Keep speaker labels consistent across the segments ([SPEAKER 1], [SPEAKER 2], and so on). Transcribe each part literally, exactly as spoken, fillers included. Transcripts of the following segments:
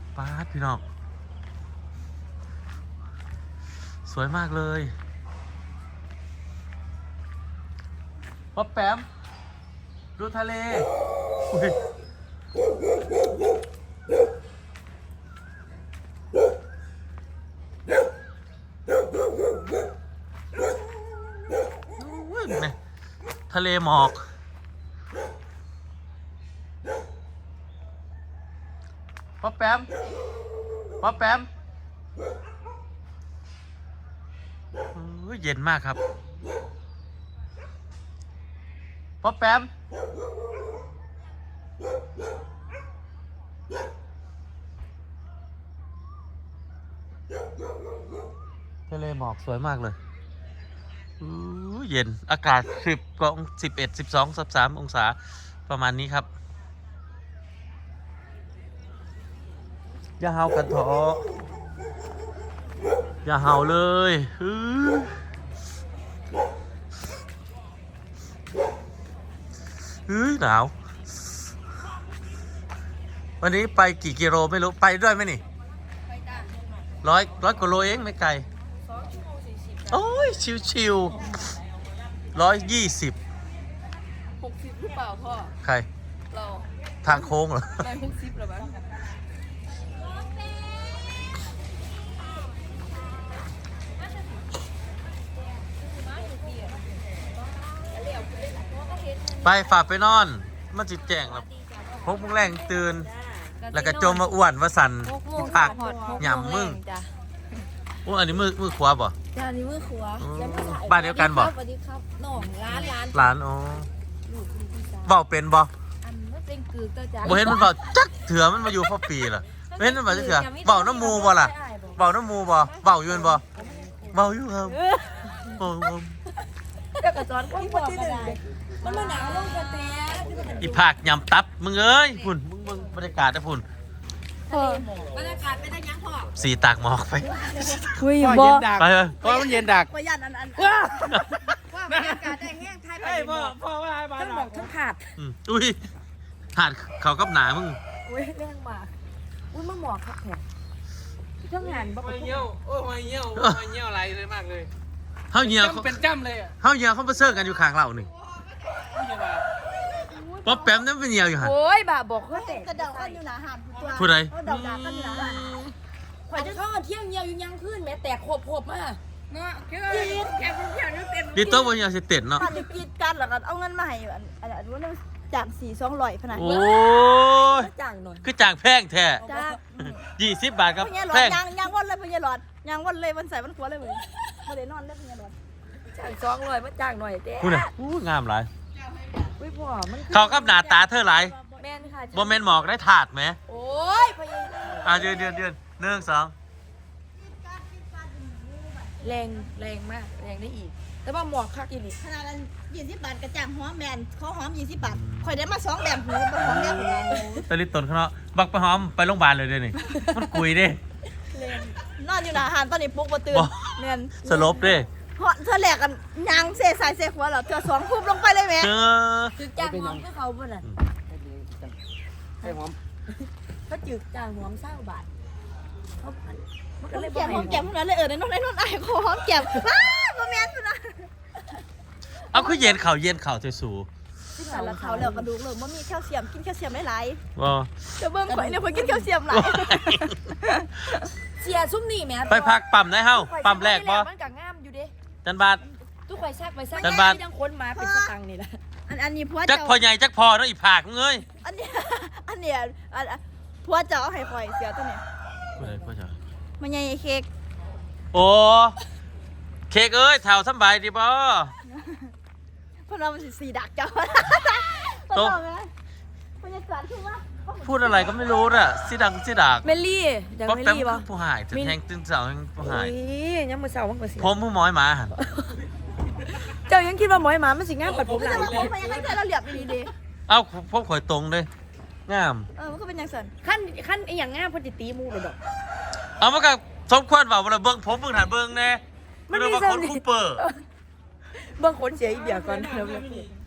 [SPEAKER 1] ป๊าดพี่น้องสวยมากเลยป๊อปแปมดูทะเลอุ้ยอุ้ยเนี่ยทะเลหมอกป๊อปแปมป๊อปแปมอุ้ยเย็นมากครับป๊อปแปมทะเลหมอกสวยมากเลยอู้เย็นอากาศสิบกองสิบเอ็ดสิบสองสิบสามองศาประมาณนี้ครับอย่าเห่ากันเถอะอย่าเห่าเลยอื้อเฮ้ยหนาววันนี้ไปกี่กิโลไม่รู้ไปด้วยไหมนี่ไปจ้ะร้อยร้อยกว่าโลเองไม่ไกลสองชั่วโมงสี่สิบโอ้ยชิวๆร้อยยี่สิบ
[SPEAKER 2] หกสิบหรือเปล่าพ่อ
[SPEAKER 1] ใคร
[SPEAKER 2] เรา
[SPEAKER 1] ทางโค้งเหรอ
[SPEAKER 2] ได้หกสิบหรือเปล่า
[SPEAKER 1] ไปฝากไปนอนมันจิตแจ้งแล้วพกมุ้งแรงตื่นแล้วก็จมมาอ้วนว่าสันผักหย่ำมึงโอ้อันนี้มือมือขวาบ่
[SPEAKER 2] จ้านี่มือขวา
[SPEAKER 1] บ้านเดียวกันบ่
[SPEAKER 2] สวัสดีครับน้องร้านร้าน
[SPEAKER 1] ร้านอ๋อเบาเป็นบ่
[SPEAKER 2] อันนั้นเป็นกือก็จ้า
[SPEAKER 1] บ่เห็นมันเบาจักเถื่อมันมาอยู่พ่อปีล่ะเห็นมันเบาจักเถื่อเบาน้ำมูบ่ล่ะเบาน้ำมูบ่เบาอยู่บ่เบาอยู่ครับโอ้
[SPEAKER 2] เดี๋ยวกระจอนก็บอกก็ได้มันมาหนาวลงกระเตะ
[SPEAKER 1] อีผักยำตับมึงเอ้ยฝุ่นมึงมึงบรรยากาศนะฝุ่น
[SPEAKER 2] บรรยากาศเป็นยังพ่อ
[SPEAKER 1] สีตากหมอกไป
[SPEAKER 2] คุย
[SPEAKER 3] บ่
[SPEAKER 1] ไปเลย
[SPEAKER 3] เพราะมันเย็นดัก
[SPEAKER 2] ประหยัดอันอันว่าบรรยากาศได้แห้งไทยไป
[SPEAKER 3] พ่อพ่อว่าให้บ้าน
[SPEAKER 2] ทั้งบอกทั้งขาด
[SPEAKER 1] อุ้ยขาดเขากับหนามึง
[SPEAKER 2] อุ้ยเรื่องมากอุ้ยมันหมอกครับแถมเรื่องงานบ้า
[SPEAKER 3] ไม่เงี้ยวโอ้ไม่เงี้ยวไม่เงี้ยวอะไรเลยมากเลย
[SPEAKER 1] เฮาเหี่ยว
[SPEAKER 3] เป็นจ้ำเลยอ่ะ
[SPEAKER 1] เฮาเหี่ยวเขาไปเซิร์กันอยู่ข้างเราหนึ่งป๊อปแป๊มนั่นเป็นเหี่ยวอยู่หัน
[SPEAKER 2] โอ้ยบ่าบอกเขาแต่
[SPEAKER 4] กระเดากันอยู่หนาหันตัว
[SPEAKER 1] ผู้ใด
[SPEAKER 4] กระเดากันอยู่หนาหัน
[SPEAKER 2] ข่อยจะเข้าเที่ยงเหี่ยวอยู่ยังขึ้นแม้แต่ขบขบมาเนาะเกี่ยวแกเป็นเที่ยวนี่เต็ม
[SPEAKER 1] ดีโต้บนเหี่ยวสิเต็ดเนาะ
[SPEAKER 4] ถ้าจะกินกันหรอกันเอาเงินมาให้อันอันอันว่าจากสี่สองร้อยขนาด
[SPEAKER 1] โอ้ย
[SPEAKER 2] จ้างหน่อย
[SPEAKER 1] คือจ้างแพงแท้
[SPEAKER 4] จ้า
[SPEAKER 1] ยี่สิบบาทครับ
[SPEAKER 4] แพงยังยังวันเลยพญาหลอดยังวันเลยวันใส่วันขวเลยเลยไม่ได้นอนเลยพญาหลอด
[SPEAKER 2] จ้างสองร้อยมาจ้างหน่อยเต้
[SPEAKER 1] พูดเลยอู้งามหลาย
[SPEAKER 2] อุ้ยพ่อมัน
[SPEAKER 1] เขากับหน้าตาเธอหลาย
[SPEAKER 2] แม่นค่ะ
[SPEAKER 1] บ่แม่นหมอกได้ถาดไหม
[SPEAKER 2] โอ้ยพญา
[SPEAKER 1] อ่ะเดือนเดือนเดือนหนึ่งสอง
[SPEAKER 2] แรงแรงมากแรงได้อีกแต่ว่าหมอกคักอีก
[SPEAKER 4] ขนาดนั้นยี่สิบบาทกระจ่างหอมแมนเขาหอมยี่สิบบาทคอยได้มาสองแบบหูเป็นหอมแบบหู
[SPEAKER 1] ตะลิตนเขาเนาะบักไปหอมไปโรงพยาบาลเลยเดี๋ยวนี้มันกุยดิ
[SPEAKER 4] นอนอยู่หนาหันตอนนี้ปลุกมาตื่นแมน
[SPEAKER 1] สลบดิ
[SPEAKER 4] เพราะเธอแหลกกันยางเสสายเสหัวเหรอเธอสองคุบลงไปเลยไหม
[SPEAKER 1] เจอ
[SPEAKER 2] จืดจ้างหอมก็เขาบ่น่ะ
[SPEAKER 3] ให้หอม
[SPEAKER 2] เขาจืดจ้างหอมเศร้าบาทเขา
[SPEAKER 4] มันก็เลยแก้มหอมแก้มนั้นเลยเออในนนในนนไอ้คอหอมแก้มอ้าบ่แม่นสุดนะ
[SPEAKER 1] เอาคือเย็นเข่าเย็นเข่าสู
[SPEAKER 4] ที่สารเขาแล้วกระดูกเลยมันมีแคลเซียมกินแคลเซียมหลาย
[SPEAKER 1] ๆว้า
[SPEAKER 4] จะเบิ่งข่อยเนี่ยข่อยกินแคลเซียมหลาย
[SPEAKER 2] เสียซุ่มนี่แม่
[SPEAKER 1] ไปพักปั๊มได้เฮ้าปั๊มแรกบ่
[SPEAKER 2] มันก็งามอยู่เด้
[SPEAKER 1] จันบาท
[SPEAKER 2] ทุกข่อยซักไปซักที่ยังคนมาเป็นสตังนี่แหละ
[SPEAKER 4] อันอันนี้พัว
[SPEAKER 1] จักพอใหญ่จักพอเนาะอีผากเงย
[SPEAKER 4] อันนี้อันเนี้ยอันพัวจะเอาให้ข่อยเสียตัวเนี้ย
[SPEAKER 1] พ่อจ๋า
[SPEAKER 4] มันใหญ่เค้ก
[SPEAKER 1] โอ้เค้กเอ้ยแถวสบายดีบ่
[SPEAKER 4] พวกเรามันสีดักเจ้าโตมันจะสั่นขึ้นว่า
[SPEAKER 1] พูดอะไรก็ไม่รู้น่ะสิดังสิดัก
[SPEAKER 2] เมลี่ยังเมลี่บ่
[SPEAKER 1] ผู้หายถึงแทงตึ้งเสาแห่งผู้หาย
[SPEAKER 2] ยังมือเสามันก็เสีย
[SPEAKER 1] ผมผู้ม้อยหมาหัน
[SPEAKER 2] เจ้ายังคิดว่าม้อยหมามันสิงามปัดผมหลาย
[SPEAKER 4] ผมพยายามให้เราเหลียบดีดี
[SPEAKER 1] เอ้าพบข่อยตรงเลยงาม
[SPEAKER 4] เออมันก็เป็นอย่างสั่น
[SPEAKER 2] ขั้นขั้นไอ้อย่างงามพอดีตีมูเลยดอก
[SPEAKER 1] เอามากับสมควรว่าเวลาเบิ้งผมเบิ้งหันเบิ้งแน่มันมีคนคูเปอร์
[SPEAKER 2] เบิ้งขนเสียอีเบียก่อน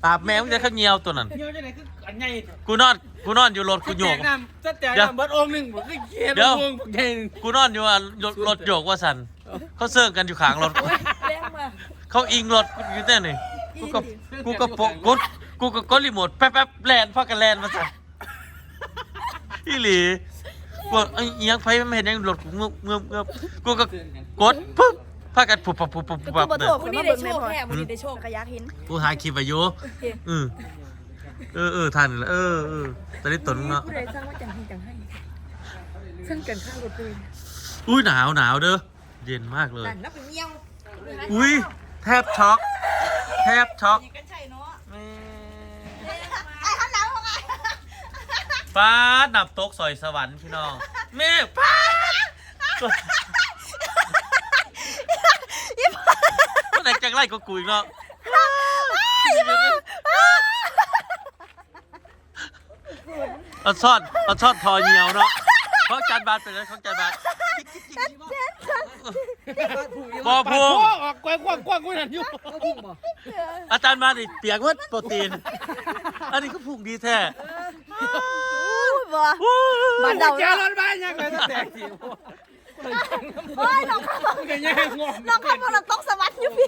[SPEAKER 1] อาบแมวมึงจะข้าวเหนียวตัวนั้น
[SPEAKER 3] เงี้ยวจะไหนคืออันใหญ่
[SPEAKER 1] กูนอนกูนอนอยู่รถกูโยก
[SPEAKER 3] แจน้ำจะแจกน้ำเบิดองค์หนึ่งผมก็เขียน
[SPEAKER 1] เดี๋ยว
[SPEAKER 3] วงใหญ่หนึ่ง
[SPEAKER 1] กูนอนอยู่อ่ะรถรถโยกว่าสันเขาเซิร์งกันอยู่ข้างรถ
[SPEAKER 2] แรงมา
[SPEAKER 1] เขาอิงรถอยู่แต่นี่กูก็กูก็โปะกดกูก็กดรีโมทแป๊บแป๊บแลนพักกันแลนมาสันอีหลีกูไอ้ยังไฟไม่เห็นยังรถกูเงือบเงือบเงือบกูก็กดปุ๊บพากันปุบปับปุบปับปุบปับเลย
[SPEAKER 2] วันนี้ได้โชคแค่วันนี้ได้โชค
[SPEAKER 4] กระยากหิน
[SPEAKER 1] กูถ่ายคลิปไปอยู่เออเออเออทันเออเออตอนนี้ตนเนาะ
[SPEAKER 2] ผู้ใดสร้างว่าจังให้จังให้ซึ่งกันข้างรถปืน
[SPEAKER 1] อุ้ยหนาวหนาวเด้อเย็นมากเลย
[SPEAKER 2] นั่นนับเป็นเงี้ยว
[SPEAKER 1] อุ้ยแทบช็อกแทบช็อก
[SPEAKER 4] กันใช่เนาะไอ้ข้างหลังว่าไง
[SPEAKER 1] ฟ้าหนับโต๊ะซอยสวรรค์พี่น้องเมฆฟ้าเมื่อไหร่จะไล่ก็กูอีกเนาะเอาซ่อนเอาซ่อนทอเหี่ยวเนาะเขาจานบาทไปเลยเขาจานบาทบอพู
[SPEAKER 3] โอ้ออกกว้างกว้างกว้างกว้างนั่นอยู่
[SPEAKER 1] อาจารย์มาดิเปียกวัดโปรตีน อันนี้ก็ผูกดีแท้
[SPEAKER 4] บ่บ้านเดา
[SPEAKER 3] เจ้า
[SPEAKER 4] เนาะ
[SPEAKER 3] รถบ้านยังไงจะแตกสิ
[SPEAKER 4] โอ้ยน้องข้าว
[SPEAKER 3] มันก็แย่งงง
[SPEAKER 4] น้องข้าวเราต้องสวัสดิ์อยู่พี่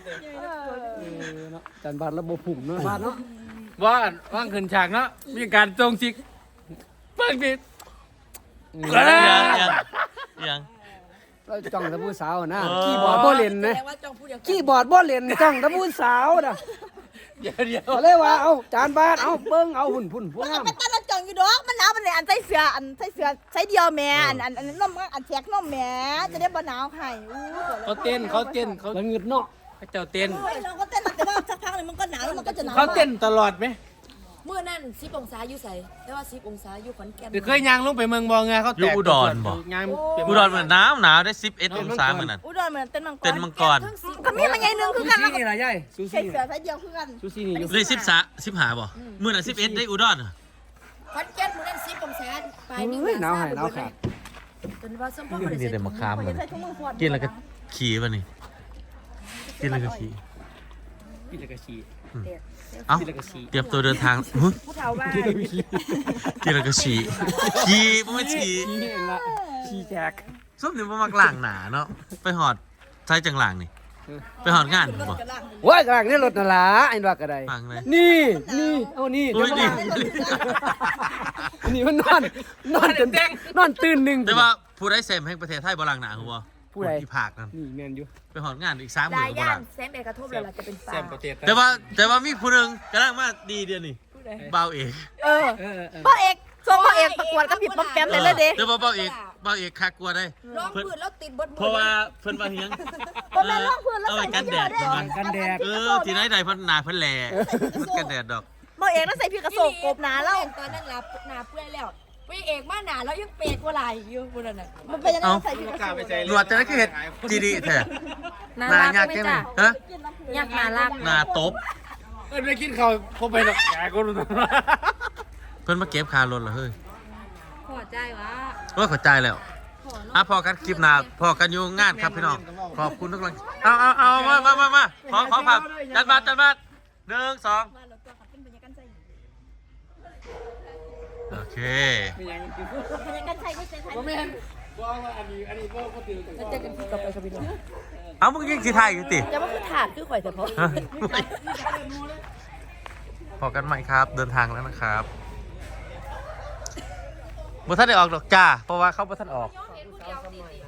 [SPEAKER 3] จันบาทระบบผุ่มเนาะบาทเนาะว่าว่างขึ้นฉากเนาะมีการจงจิกเพิ่งดิ
[SPEAKER 1] ยังยังยัง
[SPEAKER 5] เราจ้องแตะผู้สาวนะ
[SPEAKER 1] เออ
[SPEAKER 5] ขี้บอร์ดบ่เล่นนะ
[SPEAKER 2] แสดงว่าจ้องผู้เดียว
[SPEAKER 5] ขี้บอร์ดบ่เล่นจ้องแตะผู้สาวนะ
[SPEAKER 3] เดี๋ยวเดี๋ยว
[SPEAKER 5] ก็เลยว่าเอาจานบาทเอาเบิ่งเอาหุ่นพุ่นผู้งาม
[SPEAKER 4] มันตลอดจังอยู่ดอกมันหนาวมันเลยอันใส่เสื้ออันใส่เสื้อใส่เดียวแม่อันอันอันนมอันแจกนมแม่จะได้บ่หนาวให้อู้
[SPEAKER 3] เขาเต้นเขาเต้นเขา
[SPEAKER 5] แล้วเงืดเนาะ
[SPEAKER 3] เขาเจ้าเต้น
[SPEAKER 4] โอ้ยเราก็เต้นแต่ว่าสักพักนึงมันก็หนาวแล้วมันก็จะหนาว
[SPEAKER 3] เขาเต้นตลอดไหม
[SPEAKER 2] เมื่อนั่นสิบองศาอยู่ใส่แต่ว่าสิบองศาอยู่ขอนแก่น
[SPEAKER 3] เดี๋ยวเคยยางลงไปเมืองบองไงเขาแตกยาง
[SPEAKER 1] อุดรเหมือนน้ำหนาวได้สิบเอ็ดองศาเหมือนนั้น
[SPEAKER 4] อุดรเหมือนเต้นมังกร
[SPEAKER 1] เต้นมังกร
[SPEAKER 2] ทั้งสิบ
[SPEAKER 4] ก็มีมันใหญ่นึงคือกัน
[SPEAKER 5] ซูซี่นี่ล่ะยายซู
[SPEAKER 4] ใส่
[SPEAKER 5] ซี่
[SPEAKER 4] เสื้อใส่เดียวคือกัน
[SPEAKER 5] ซูซี่นี่อยู่
[SPEAKER 1] เลยสิบสาสิบหาบ่มื่อนั้นสิบเอ็ดได้อุดร
[SPEAKER 2] ขอนแก่นเมื่อนั่นสิบองศาปลายนิ้ว
[SPEAKER 5] เฮ้ยหนาวหายหนาวขาด
[SPEAKER 2] จนว่าสมพร
[SPEAKER 1] นี่ได้มาคาม
[SPEAKER 4] มัน
[SPEAKER 1] มั
[SPEAKER 4] จะ
[SPEAKER 1] น
[SPEAKER 4] ใส่ถุงมือฟอด
[SPEAKER 1] กินแล้วก็ขี่ป่ะนี่กินแล้วก็ขี่
[SPEAKER 3] พี่ตะกะชี
[SPEAKER 1] เอ้า
[SPEAKER 3] พี่ตะกะชี
[SPEAKER 1] เตรียมตัวเดินทางหึ
[SPEAKER 2] ผู้เฒ่าบ้าน
[SPEAKER 1] กินแล้วก็ขี่ขี่ไม่ขี่
[SPEAKER 5] ขี้เองละขี้แขก
[SPEAKER 1] ส้มนี่มันมักล่างหนาเนาะไปหอดใช้จังหลางนี่ไปหอดงานบ่
[SPEAKER 5] โอ้ยกลางนี่รถน่ะล่ะไอ้ว่าก็ได้
[SPEAKER 1] ฟังเลย
[SPEAKER 5] นี่นี่เอานี่
[SPEAKER 1] อุ้
[SPEAKER 5] เดี๋ย
[SPEAKER 1] ยว ดี
[SPEAKER 5] มานี่มันนอนนอนจนนอนตื่นหนึง
[SPEAKER 1] แต่ว่าผู้ได้เซมแห่งประเทศไทยบ่ล่างหนาหัว
[SPEAKER 5] ผู้ใด
[SPEAKER 1] ที่ภาคนั่น
[SPEAKER 5] นี่แม่นอยู่
[SPEAKER 1] ไปหอดงานอีกสามหมื่
[SPEAKER 2] ลาน
[SPEAKER 1] บ่
[SPEAKER 2] ย่า
[SPEAKER 1] ล่าน ง
[SPEAKER 2] แซมเอกระทบเลยล่ะจะเป็นฟ้า
[SPEAKER 3] แซมประเทศ
[SPEAKER 1] แต่ว่าแต่ว่ามีผู้หนึงกำลังมาดีเดียวนี่
[SPEAKER 2] ผู้ใด
[SPEAKER 1] เบาเอก
[SPEAKER 4] เออ
[SPEAKER 5] เออเออ
[SPEAKER 4] พ่อเอกส่งพ่อเอกประกวดกับพี่ป๊อมแปมเลยเลยเด้
[SPEAKER 1] แต่ว่าเบาเอกเบาเอกคักกว่าได้
[SPEAKER 2] ร้องพืชแล้วติดบดมือ
[SPEAKER 1] เพราะว่าเพิ่นว่าเฮียง
[SPEAKER 4] ก็แม่ร้องพื้นแล้ว
[SPEAKER 1] เอา
[SPEAKER 4] ใส่
[SPEAKER 1] ไว้กันแดด
[SPEAKER 4] เสื้อ
[SPEAKER 1] เพิ่นว่า
[SPEAKER 5] กันแดด
[SPEAKER 1] เออที่ไหนใดเพิ่นหนาเพิ่นแหล่กันแดดดอก
[SPEAKER 4] พ่อเอกแล้วใส่พี่กระโสกกบหนาแล้ว
[SPEAKER 2] ตอนนั้นลาหนาเปื่อยแล้วพี่เอกมาหนาแล้วยังเปียกกว่าไหลอยู่บนนั้นน่ะ
[SPEAKER 4] มันเป็นยังไงใส่พี่กระ
[SPEAKER 3] กล้า
[SPEAKER 4] โส
[SPEAKER 3] ไป
[SPEAKER 4] ก
[SPEAKER 3] ใจ
[SPEAKER 1] หนวดจะได้คือเห็ดจีดีแท้
[SPEAKER 2] น่า
[SPEAKER 1] หนา
[SPEAKER 2] รัก
[SPEAKER 1] ยาก
[SPEAKER 2] ไหม
[SPEAKER 1] แค่ไหน
[SPEAKER 2] จ้ะ
[SPEAKER 1] ฮะ
[SPEAKER 2] ยากน่ารัก
[SPEAKER 1] หนาตบ
[SPEAKER 3] เออไม่กินข้าวพอไปหรอกแกก็รู้ตัว
[SPEAKER 1] เพิ่นมาเก็บคารถเหรอเฮ้ย
[SPEAKER 2] พอใจวะ
[SPEAKER 1] ว่าเข้าใจแล้วอ่ะพอกันคลิปหน้าพอกันอยู่งานครับพี่น้องขอบคุณทุกคนเอาเอาเอามามามามาขอขอภาพจัดมาจัดมาหนึ่งสองโอเค
[SPEAKER 3] ไม่ยังกิน
[SPEAKER 4] พญากันใส่ก็ใส่ไทย
[SPEAKER 3] บ่แม่นบ่ว่าอันนี้อันนี้บ่บ่ตื่นกัน
[SPEAKER 2] จะเจอกันที่กับไปกับพี่น้อง
[SPEAKER 1] เอามึงยิงสีไทยอยู่ติ
[SPEAKER 2] จะว่าคือถาดคือข่อยแต่พอ
[SPEAKER 1] ฮะพอกันใหม่ครับ เดินทางแล้วนะครับบ่ท่านได้ออกดอกจ้า เพราะว่าเขาบ่ท่านออก
[SPEAKER 2] เห็นผู้เดียวติด